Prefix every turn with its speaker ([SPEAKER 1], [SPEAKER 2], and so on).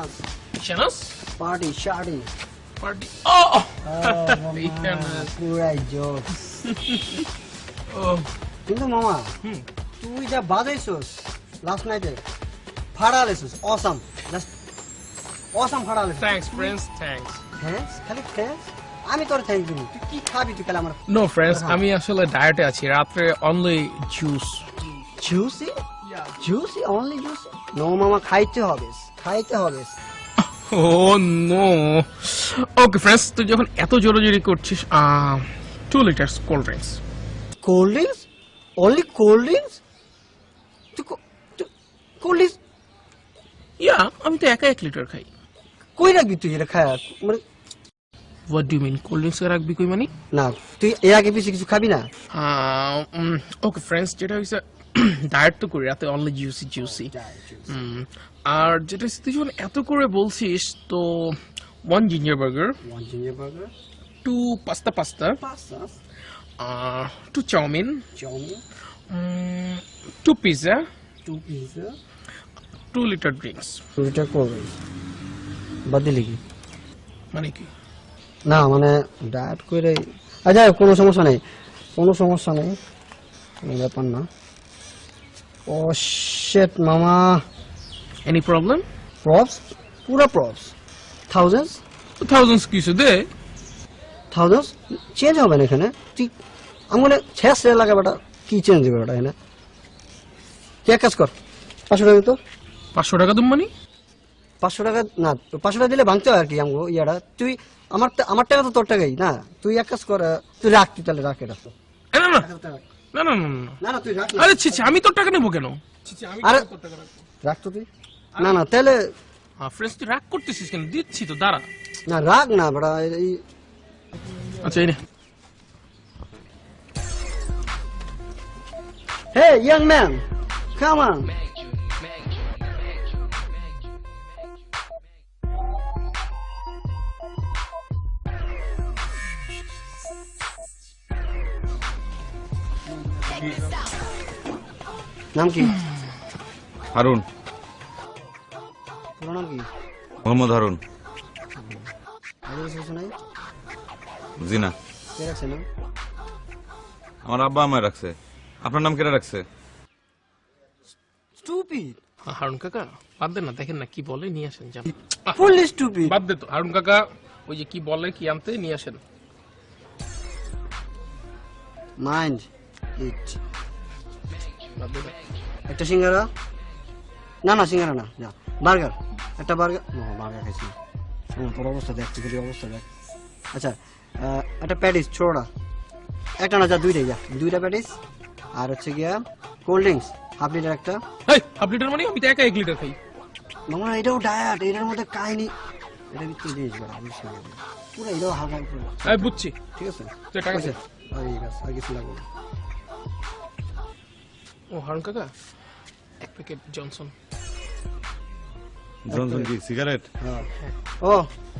[SPEAKER 1] Shanas.
[SPEAKER 2] Shanas?
[SPEAKER 1] Party, shardy.
[SPEAKER 2] Party. Oh!
[SPEAKER 1] Shanas. Purai jokes.
[SPEAKER 2] Oh.
[SPEAKER 1] কিন্তু মামা তুই যা বাজাইছস লাস্ট নাইটে ফাড়ালেছস অসাম জাস্ট অসাম ফাড়ালেছস
[SPEAKER 2] Thanks, friends. Thanks.
[SPEAKER 1] হ্যাঁ খালি থ্যাঙ্কস আমি তোর থ্যাঙ্ক দিব তুই কি খাবি তুই কাল আমার
[SPEAKER 2] No, friends. আমি আসলে ডায়েটে আছি। রাত্রে only juice.
[SPEAKER 1] Juicy juicy only juicy no মামা খাইতে হবে
[SPEAKER 2] Oh no. Okay, friends. তুই যখন এত জোরাজোরি করছিস 2 liters cold drinks.
[SPEAKER 1] Cold drinks only cold drinks তুই কোল্ড ড্রিঙ্কস
[SPEAKER 2] Yeah, আমি তো একা 1 লিটার খাই।
[SPEAKER 1] কই রাখবি তুই এটা খায় মানে
[SPEAKER 2] What do you mean? Cold drinks রাখবি কই মানে?
[SPEAKER 1] না তুই এর আগে পিছে কিছু খাবি না
[SPEAKER 2] Okay, friends. যেটা হইছে ডায়েট তো করি রাতে অনলি জুসি আর যেটা তুই যখন এত করে বলছিস তো 1 ginger burger,
[SPEAKER 1] 1 ginger burger
[SPEAKER 2] 2 pasta
[SPEAKER 1] pasta
[SPEAKER 2] 2 chowmein,
[SPEAKER 1] chowmein
[SPEAKER 2] 2 pizza,
[SPEAKER 1] 2 pizza
[SPEAKER 2] 2 litre drinks.
[SPEAKER 1] দুইটা করবে বাদ দিলি কি
[SPEAKER 2] মানে কি?
[SPEAKER 1] না মানে ডায়েট করে আচ্ছা কোনো সমস্যা নেই কোনো ব্যাপার না ও শিট মামা
[SPEAKER 2] এনি প্রবলেম?
[SPEAKER 1] প্রপস পুরো প্রপস
[SPEAKER 2] থাউজেন্ডস কিছু দে।
[SPEAKER 1] থাউজেন্ডস চেঞ্জ হবে না এখানে তুই আমি শেষ লাগে বেটা কি চেঞ্জ হবে বেটা এখানে তুই এক কাজ কর 500 টাকা তো
[SPEAKER 2] 500 টাকা তুমি মানে?
[SPEAKER 1] 500 টাকা না 500 টাকা দিলে ভাঙতে হয় আর কি আমগো ইয়াটা তুই আমার টাকা তো তোর টাকাই না তুই এক কাজ কর তুই রাখ তুই তাহলে রাখ এটা
[SPEAKER 2] না না না না না
[SPEAKER 1] না না তুই রাখ
[SPEAKER 2] আরে ছি আমি তোর টাকা নেবো কেন?
[SPEAKER 1] আরে রাখ তো তুই না না তাহলে
[SPEAKER 2] ফ্রেন্ডস তুই রাগ করতেছিস কেন? দিচ্ছি তো দাঁড়া।
[SPEAKER 1] না রাখ না বড়া এই
[SPEAKER 2] আচ্ছা এই নে।
[SPEAKER 1] Hey young man come on নাম কি
[SPEAKER 3] হারুন,
[SPEAKER 1] পুরো নাম কি
[SPEAKER 3] মোহাম্মদ হারুন।
[SPEAKER 1] আগে কিছু নাই
[SPEAKER 3] জি না,
[SPEAKER 1] কে রাখছে নাম
[SPEAKER 3] আমার আব্বা আমায় রাখছে। আপনার নাম কেটে রাখছে?
[SPEAKER 1] স্টুপিড
[SPEAKER 2] হারুন কাকা বাদ দেন না, দেখেন না কি বলে, নিয়ে আসেন যান।
[SPEAKER 1] ফুললি স্টুপিড
[SPEAKER 2] বাদ দে তো হারুন কাকা, ওই যে কি বলে কি আনতে নিয়ে আসেন।
[SPEAKER 1] মাইন্ড ইট
[SPEAKER 2] বাদ দে না।
[SPEAKER 1] একটা সিঙ্গারা না সিঙ্গারা না যা বার্গার একটা বার্গার না বার্গার খাইছি তোর অবস্থা দেখ তুই অবস্থা দেখ আচ্ছা একটা প্যাটিস ছোড়া একটা না যা দুইটা প্যাটিস আর হচ্ছে গিয়া কোল্ড ড্রিঙ্কস হাফ লিটার একটা
[SPEAKER 2] এই হাফ লিটার মানে আমি তো একা 1 লিটার খাই।
[SPEAKER 1] মামা এটাও ডায়েট এটার মধ্যে কাহিনী এটা কি তুই জিনিস বড় পুরো এটাও হালকা পুরো
[SPEAKER 2] আমি বুঝছি।
[SPEAKER 1] ঠিক আছে
[SPEAKER 2] তুই টাকা দে।
[SPEAKER 1] ঠিক আছে আর কিছু লাগবে না
[SPEAKER 2] ও হারুন কাকা 1 প্যাকেট জনসন।
[SPEAKER 3] জনসন কি সিগারেট?
[SPEAKER 1] হ্যাঁ ও